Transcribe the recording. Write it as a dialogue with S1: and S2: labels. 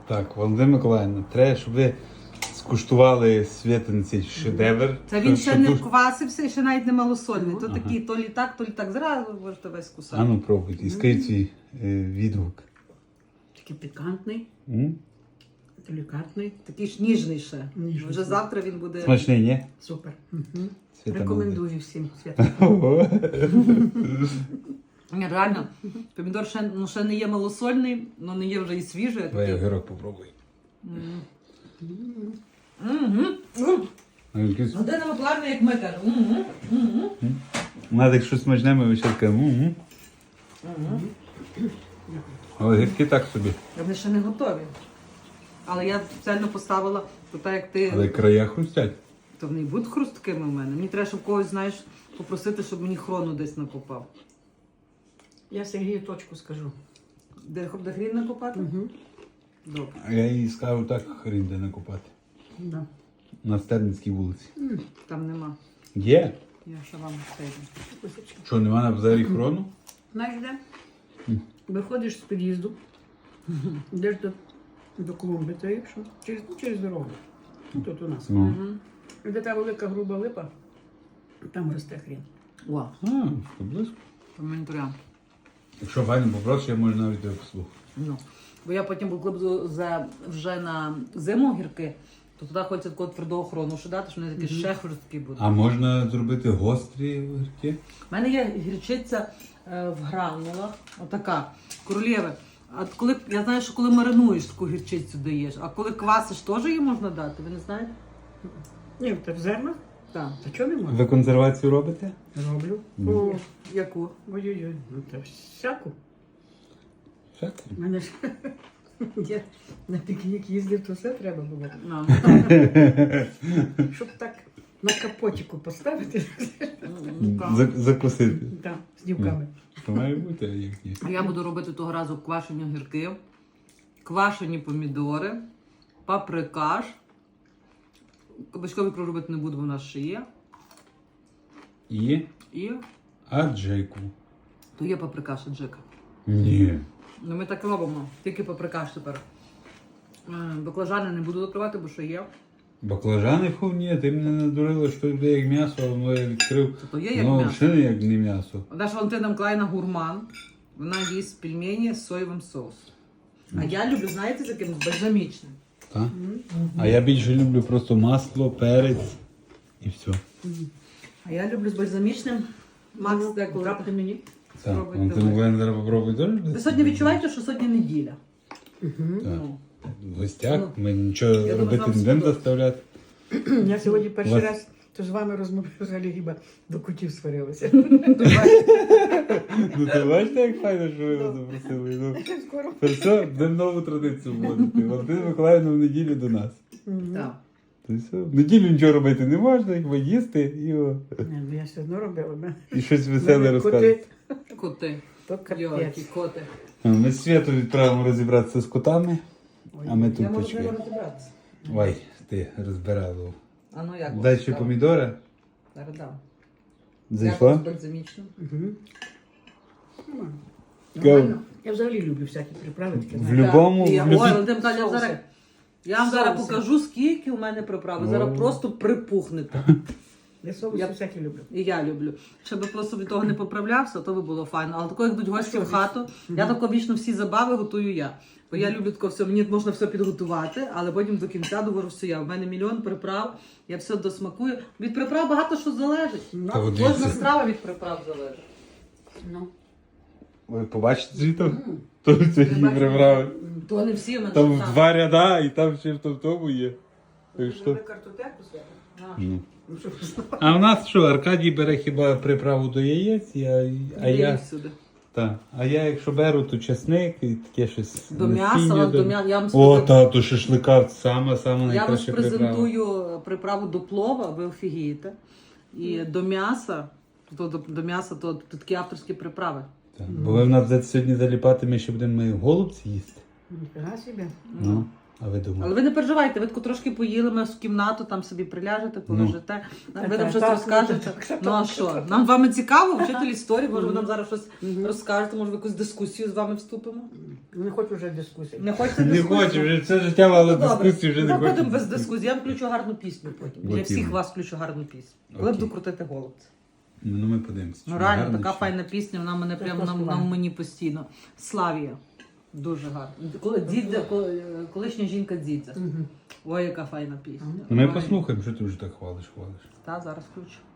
S1: Так, Валентина Миколаївна, треба, щоб ви скуштували Святин цей шедевр.
S2: Це він ще не
S1: дуже-
S2: вквасився і ще навіть не малосольний. То такий, то лі так, зразу можете весь кусати.
S1: А ну пробуйте. І скажіть свій відгук.
S3: Такий пікантний,
S1: М?
S3: делікатний.
S2: Такий ж ніжний ще.
S3: Ніжний.
S2: Вже завтра він буде.
S1: Смачний, ні?
S3: Супер.
S1: Свята
S3: Рекомендую всім. Свят.
S1: молодець.
S2: Ні, реально, помідор ще, ще не є малосольний, але не є вже і свіжий. а
S1: Давай
S2: такий.
S1: огірок попробуй.
S2: Мгм.
S1: А якийсь-
S2: Година Миколаївна, як ми кажемо. Мгм. Мгм.
S1: Надо, якщо смачне, ми ще кажемо.
S2: Мгм.
S1: А огірки так собі.
S2: Вони ще не готові. Але я спеціально поставила, то так як ти,
S1: Але края хрустять.
S2: то вони й будуть хрусткими в мене. Мені треба, щоб когось, знаєш, попросити, щоб мені хрону десь накопав.
S3: Я Сергію точку скажу.
S2: Де хрін накопати? Добре.
S1: А я їй скажу так, хрін де накопати.
S3: Да.
S1: На Стерницькій вулиці.
S2: Там нема.
S1: Є?
S2: Я ще вам скажу.
S3: Кусочки.
S1: Що, нема на базарі хрону?
S3: Знаєш де? Виходиш з під'їзду, йдеш до клумби, то якщо через дорогу. Тут у нас.
S1: Ну.
S3: Де та велика груба липа, там росте хрін.
S2: О,
S1: А, то близько.
S2: коментаря.
S1: Якщо Ваню попрошу, я можу навіть тебе послухати.
S2: Ну. Бо я потім коли буду вже на зиму гірки, то туди хочеться такого твердого хрону ще дати, що вони такі ще хрусткі будуть.
S1: А можна зробити гострі огірки?
S2: У мене є гірчиця в гранулах, отака, королєва. А коли, я знаю, що коли маринуєш, таку гірчицю даєш, а коли квасиш, теж її можна дати, ви не знаєте?
S3: Ні, та в зернах?
S2: Так.
S3: Та чого не можна?
S1: Ви консервацію робите?
S3: Роблю.
S2: О, яку?
S3: Ой-ой-ой, ну та всяку.
S1: Так.
S3: У мене ж я на пікнік їздив, то все треба було.
S2: Ну,
S3: Щоб так на капотіку поставити,
S1: Закусити.
S3: так, з дівками.
S1: То має бути, а як ні.
S2: Я буду робити того разу квашені огірки, квашені помідори, паприкаш. Кабачковий ікру робити не буду, бо в нас ще є.
S1: І
S2: І
S1: аджику.
S2: то є паприкаш і джика.
S1: Ні.
S2: Ну ми так робимо, тільки паприкаш тепер. Баклажани не буду докривати, бо що є.
S1: Баклажани фу, ні, ти мене надурила, що йде як м'ясо, а воно я відкрив.
S2: То є як
S1: Ну,
S2: м'ясо.
S1: взагалі як не м'ясо.
S2: Наша Валентина Миколаївна гурман. Вона їсть пельмені з соєвим соусом. А я люблю, знаєте, з яким? З бальзамічним.
S1: Так? А я більше люблю просто масло, перець і все.
S2: А я люблю з бальзамічним. Макс деколи.
S3: Трапте мені.
S1: Так,
S2: Спробуйте
S1: Валентин
S2: ви.
S1: Миколаївна зараз попробуй теж?
S2: Ви сьогодні відчуваєте, що сьогодні неділя.
S1: Так.
S2: Ну.
S1: В гостях
S2: Ну,
S1: ми нічого
S2: думаю,
S1: робити
S2: вам
S1: не будемо
S2: сподобається.
S1: заставляти.
S3: Я сьогодні перший
S1: Вас-
S3: раз то з вами розмовляю, взагалі хіба до кутів сварилася.
S1: Ну ти бачите, як файно, що ви його запросили. Ну,
S3: Скоро.
S1: це все, будемо нову традицію вводити. Валентина Миколаївна в неділю до нас.
S2: Так.
S1: То все. В неділю нічого робити не можна, як їсти
S3: Ні, ну я все одно робила.
S1: і щось веселе розказувати.
S2: Коти.
S3: То
S2: Йоки,
S3: капець.
S2: коти.
S1: Ми з Світу відправимо розібратися з котами, а ми
S2: Я
S1: тут
S2: можу з ними
S1: почекаємо.
S2: розібратися.
S1: Ой, ти розбирала.
S2: А ну як?
S1: Дай ще помідора.
S2: Зараз дам.
S1: Зайшла?
S2: З бальзамічним.
S3: Нормально. Я взагалі люблю всякі приправи. такі,
S1: В
S3: знаєте.
S1: любому,
S2: Так. І я-
S1: в
S2: Ой,
S1: любій...
S2: Валентин Миколаївна, я зараз. Я вам зараз
S3: Соуси.
S2: покажу, скільки у мене приправи. Зараз
S1: О.
S2: просто припухнете.
S3: Я соуси всякі люблю.
S2: І я люблю. Щоб просто від того не поправлявся, то би було файно. Але тако, як йдуть гості в хату, я тако вічно всі забави готую я. Бо я люблю тако все, мені можна все підготувати, але потім до кінця говорю все я. У мене мільйон приправ, я все досмакую. Від приправ багато що залежить.
S1: Та от
S2: Кожна
S1: дивіться.
S2: страва від приправ залежить.
S3: Ну.
S1: Ви побачите звідти? То це її
S2: бачите?
S1: приправи.
S2: То не всі у мене
S1: Там
S2: що
S1: в два ряда, і там ще в тому є. Так що...
S3: картотеку себе?
S1: Ну.
S3: Ну що,
S1: А в нас що, Аркадій бере хіба приправу до яєць, а я якщо беру, то чесник і таке щось.
S2: До
S1: насіння,
S2: м'яса, до м'яса. Я вам
S1: О, то шашлика саме
S2: Я вам
S1: найкраща приправа.
S2: презентую приправу до плова, ви офігієте. І до м'яса, до м'яса, то такі авторські приправи.
S1: Так, бо ви в нас сьогодні заліпати, ми ще будемо голубці їсти.
S3: ніфіга собі.
S1: Ну. А ви думаєте?
S2: Але ви не переживайте, ви таку трошки поїли, ми в кімнату, там собі приляжете, полежите. Ви нам
S3: Так,
S2: щось
S3: так,
S2: розкажете.
S3: так,
S2: Ну а що? Нам з вами цікаво, вчитель історії, може ви нам зараз щось
S3: Мгм.
S2: розкажете, може в якусь дискусію з вами вступимо?
S3: Не хочу вже дискусії.
S2: Не хочете
S1: Не
S2: дискусію?
S1: хочу, вже це життя мало
S2: Ну, добре.
S1: дискусії, вже не
S2: Ну,
S1: хочу.
S2: будемо без дискусії. Я включу гарну пісню потім. Для
S1: От
S2: всіх
S1: іменно.
S2: вас включу гарну пісню. Коли
S1: Окей.
S2: буду крутити голубця.
S1: Ну ми подивимося.
S2: Ну
S1: чи
S2: реально,
S1: гарно,
S2: така
S1: чи-
S2: файна пісня, вона мене
S3: Це
S2: прямо
S3: просто
S2: на
S3: файно.
S2: мені постійно. Славія. Дуже гарно. Колишня жінка Дзідзя.
S3: Мгм.
S2: Ой, яка файна пісня.
S1: Ну ми
S2: Ой.
S1: послухаємо, що ти вже так хвалиш.
S2: Та, зараз включу.